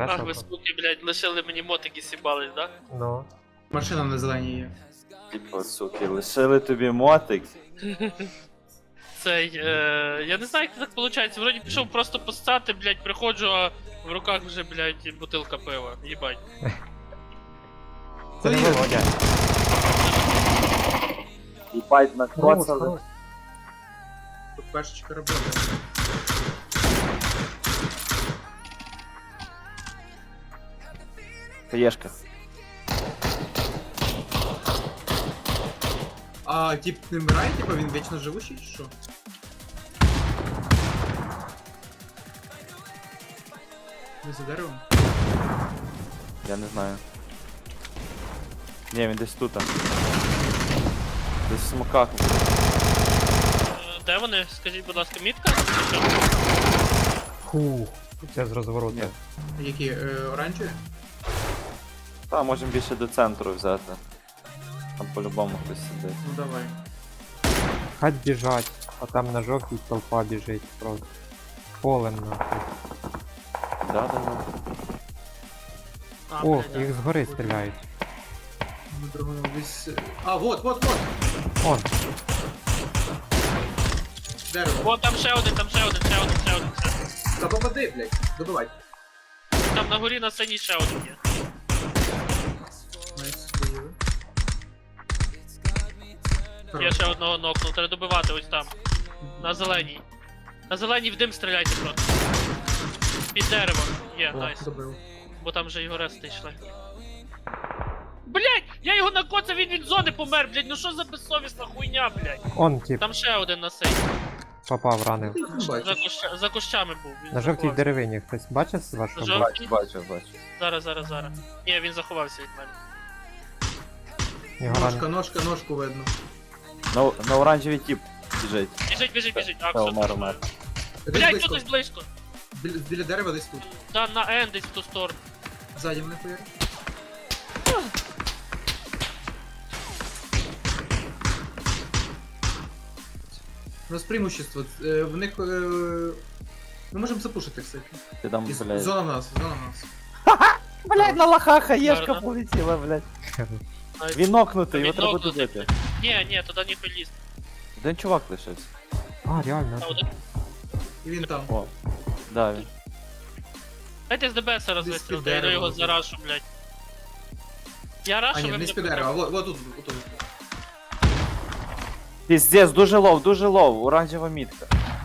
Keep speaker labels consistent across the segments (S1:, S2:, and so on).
S1: Ах, ви
S2: Красава.
S1: суки, блядь, лишили мені мотики сібались, да?
S2: Ну.
S3: Машина на зеленій є.
S4: Типу, суки, лишили тобі мотик.
S1: Цей, я не знаю, як це так виходить. Вроді пішов просто постати, блядь, приходжу, а в руках вже, блядь, бутилка пива. Їбать.
S2: Це не
S3: Поїхали.
S2: Володя.
S4: Їбать накоцали.
S3: Тут пешечка робота.
S4: Хаєшка.
S3: А тип не вмирає, типа він вічно живучий чи що? Не за деревом?
S4: Я не знаю. Ні, він десь тут. Десь в смоках.
S1: Де вони? Скажіть, будь ласка, мітка? Чи що?
S2: Фух. Це з розвороту.
S4: Ні.
S3: Які? Оранжеві?
S4: Та, можемо більше до центру взяти. Там по-любому хтось сидить.
S3: Ну давай.
S2: Хать біжать, а там на жовтій толпа біжить просто. Полем нахуй.
S4: Да.
S1: А,
S2: О,
S1: блядь, да.
S2: їх згори стріляють.
S3: Ми другому десь... А, вот!
S2: Он,
S3: Дерево.
S1: О, там ще один.
S3: Та попади, блядь. Добивай.
S1: Там на горі на сцені ще один є.
S3: Найс, доїли.
S1: Я ще одного нокнув, треба добивати ось там. На зеленій. На зеленій в дим стріляйте просто. Під деревом. Є, найс.
S3: Добив.
S1: Бо там вже його рести йшли. Блять! Я його накоцав, він від зони помер, блять, ну що за безсовісна хуйня, блять.
S2: он тип
S1: Там ще один на сей.
S2: попав, ранив.
S3: Ти їх не бачиш.
S1: За кущами був. Він
S2: На жовтій
S1: заховався.
S2: деревині хтось бачив з вашого
S1: На
S2: боку?
S1: жовтій?
S4: Бачу.
S1: Зараз. Ні, він заховався від мене.
S2: Його ранив.
S3: Ножку видно.
S4: На оранжевий тип біжить.
S1: Біжить. А,
S4: Та,
S1: все.
S4: умер.
S3: Десь
S1: Блять,
S3: близько.
S1: тут десь близько.
S3: Біля дерева десь тут.
S1: Да, на Н десь в ту сторону.
S3: Ззаді мене хуяр. У нас преимущество. В них... Ми можемо запушити, кстати.
S4: Ти там,
S3: І
S4: блядь.
S3: зона в нас.
S4: Блядь, на лоха хаєшка
S1: Гарно.
S4: полетіла, блядь.
S1: Найс.
S4: Він нокнутий, його
S1: Він
S4: треба
S1: нокнутий.
S4: добити.
S1: Ні, туди ніхуй ліз.
S4: Один чувак лишився.
S2: А, реально.
S1: А, один.
S3: І він там.
S4: О. Да, він.
S1: Дайте з ДБС
S3: під
S1: розвистрілити, я
S3: дерево
S1: його
S3: тут.
S1: зарашу, блять. Я
S3: А
S1: рашу,
S3: ні,
S1: ви
S3: не
S1: мене
S3: з-під дерева, вот тут.
S4: Піздець, дуже лов, оранжева мітка.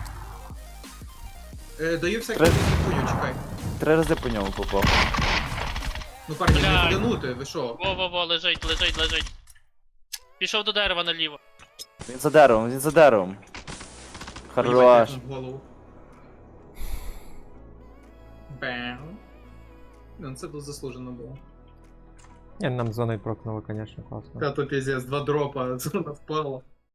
S3: Даю всяку
S4: Три-
S3: хуйню, чекай.
S4: 3 рази по ньому попав.
S3: Ну парні,
S1: Бля.
S3: не подянути, ви що?
S1: Во, лежить. Пішов до дерева наліво.
S4: Він за деревом.
S3: Поїбать,
S4: Хорош.
S3: в голову. Бам. Ну, це тут заслужено було.
S2: Ні, нам зоною прокнули, звісно, класно.
S3: Та то піздець, 2 дропа, зона впала.